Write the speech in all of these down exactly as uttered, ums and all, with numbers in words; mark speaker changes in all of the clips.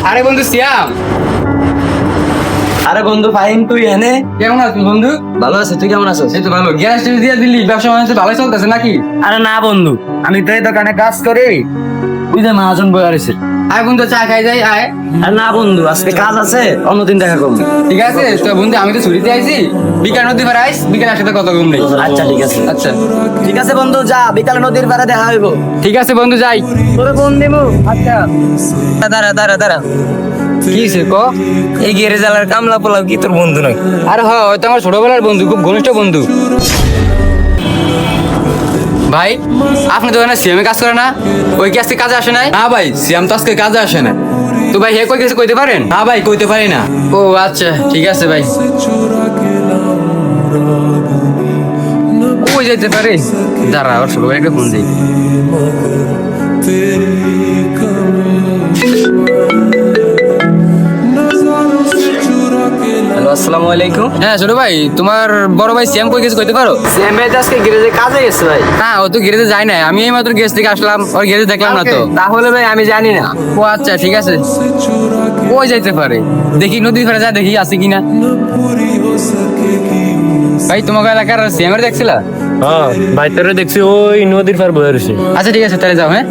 Speaker 1: আরে বন্ধু সিয়াম।
Speaker 2: আরে বন্ধু ফাহিম, তুই এনে
Speaker 1: কেমন আছিস বন্ধু?
Speaker 2: ভালো আছে? তুই কেমন আছিস?
Speaker 1: এই তো ভালো। গ্যাস টেস দিয়ে দিলি, ব্যবসা বাণিজ্য ভালোই চলতেছে নাকি?
Speaker 2: আরে না বন্ধু, আমি তো এই দোকানে কাজ করি, তুই যে মহাজন বই আছিস।
Speaker 1: আয় বন্ধু চা খাই যাই আয়।
Speaker 2: আরে না বন্ধু, আজকে কাজ আছে, অন্যদিন দেখা করবো।
Speaker 1: ঠিক আছে তো বন্ধু, আমি তো ছুটিতে আইছি, বিকাল নদী পাড়ে আইস, বিকাল একসাথে কথা কম নেই।
Speaker 2: আচ্ছা ঠিক আছে।
Speaker 1: আচ্ছা
Speaker 2: ঠিক আছে বন্ধু, যা, বিকালে নদীর পাড়ে দেখা হইব।
Speaker 1: ঠিক আছে বন্ধু যাই।
Speaker 2: তোরে ফোন দিব। আচ্ছা দাঁড়া দাঁড়া দাঁড়া,
Speaker 1: কি সে ক?
Speaker 2: এই গেরে জালার কামলা পোলাও কি তোর বন্ধু নয়?
Speaker 1: আরে হ, হয়তো আমার ছোটবেলার বন্ধু, খুব ঘনিষ্ঠ বন্ধু। ভাই আপনি তো এখানে সিএমে কাজ করে না? ওই কি আজকে কাজে আসে নাই?
Speaker 3: না ভাই, সিয়াম তো আজকে কাজে আসে না।
Speaker 1: তো ভাই হে কই গেছে কইতে পারেন?
Speaker 3: না ভাই, কইতে পারি না।
Speaker 1: ও আচ্ছা ঠিক আছে ভাই। কই যেতে পারে? দাঁড়া, ওর ছোট ভাই একটা ফোন দিই।
Speaker 2: হ্যালো, আসসালামু আলাইকুম।
Speaker 1: হ্যাঁ ছোট ভাই, তোমার বড় ভাই সিএম কই গেছে কইতে পারো?
Speaker 2: সিএম ভাই তো আজকে গ্যারেজে কাজে গেছে ভাই।
Speaker 1: না ও তো গেরেজে যায় না, আমি এই মাত্র গেস থেকে আসলাম, ওর গেরেজে দেখলাম না তো।
Speaker 2: তাহলে ভাই আমি জানি না।
Speaker 1: ও আচ্ছা ঠিক আছে। কই যাইতে পারে দেখি, নদী ফেরা যায় দেখি আছে কিনা। ভাই তোমাকে এলাকার সিএম এর দেখছিলা?
Speaker 4: হ্যাঁ ভাই, তোরে দেখছি ওই নদীর পার বয়ে রয়েছে।
Speaker 1: আচ্ছা ঠিক আছে তাহলে যাও। হ্যাঁ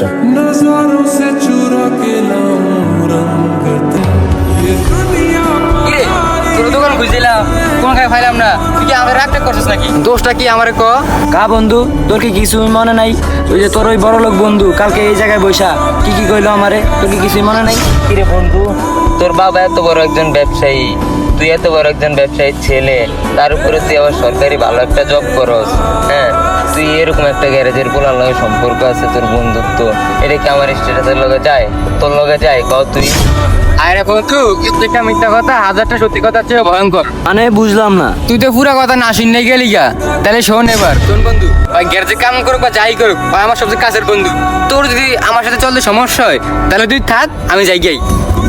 Speaker 1: কিরে, তোর দোকান খুঁজছিলাম, কোন খাই ফাইলাম না, তুই কি আমার রাগটা করছিস নাকি? দোষটা কি আমার ক?
Speaker 2: কা বন্ধু, তোর কি কিছু মনে নাই? ওই যে তোর ওই বড় লোক বন্ধু কালকে এই জায়গায় বৈশা কি কি কইলো আমারে, তোর কি কিছুই মনে নাই?
Speaker 5: কিরে বন্ধু, তোর বাবা এত বড় একজন ব্যবসায়ী, তুই এত বড় একজন ব্যবসায়ীর ছেলে, তার উপরে তুই আবার সরকারি ভালো একটা জব করস। হ্যাঁ, তুই এরকম একটা গ্যারেজের পোলার লগে সম্পর্ক আছে তোর বন্ধুত্ব, এটা কি আমার স্ট্যাটাসের লগে যায়? তোর লগে যায় কও তুই?
Speaker 1: আরে বন্ধু, একটা মিথ্যা কথা হাজারটা সত্যি কথা চেয়ে ভয়ঙ্কর।
Speaker 2: মানে বুঝলাম না।
Speaker 1: তুই তো পুরা কথা না শুনে গেলি গা। তাহলে শোন এবার, শোন বন্ধু, ওই গ্যারেজে কাম করুক বা যাই করুক, ওই আমার সবচেয়ে কাছের বন্ধু। তোর যদি আমার সাথে চলতে সমস্যা হয় তাহলে তুই থাক, আমি যাই গাই।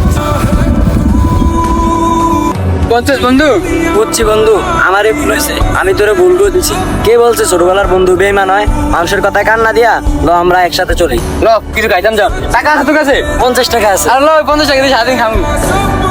Speaker 1: পঞ্চাশ বন্ধু।
Speaker 2: বুঝছি বন্ধু, আমারই ভুল হয়েছে, আমি তোরে ভুল করে দিছি। কে বলছে ছোটবেলার বন্ধু বেইমান হয়? মানুষের কথায় কান না দিয়া ল আমরা একসাথে চলি।
Speaker 1: ল কিছু খাইতাম, যাও। টাকা আছে তোর কাছে?
Speaker 2: পঞ্চাশ টাকা আছে।
Speaker 1: আর ল ওই পঞ্চাশ টাকা দিয়ে সারাদিন খাবো।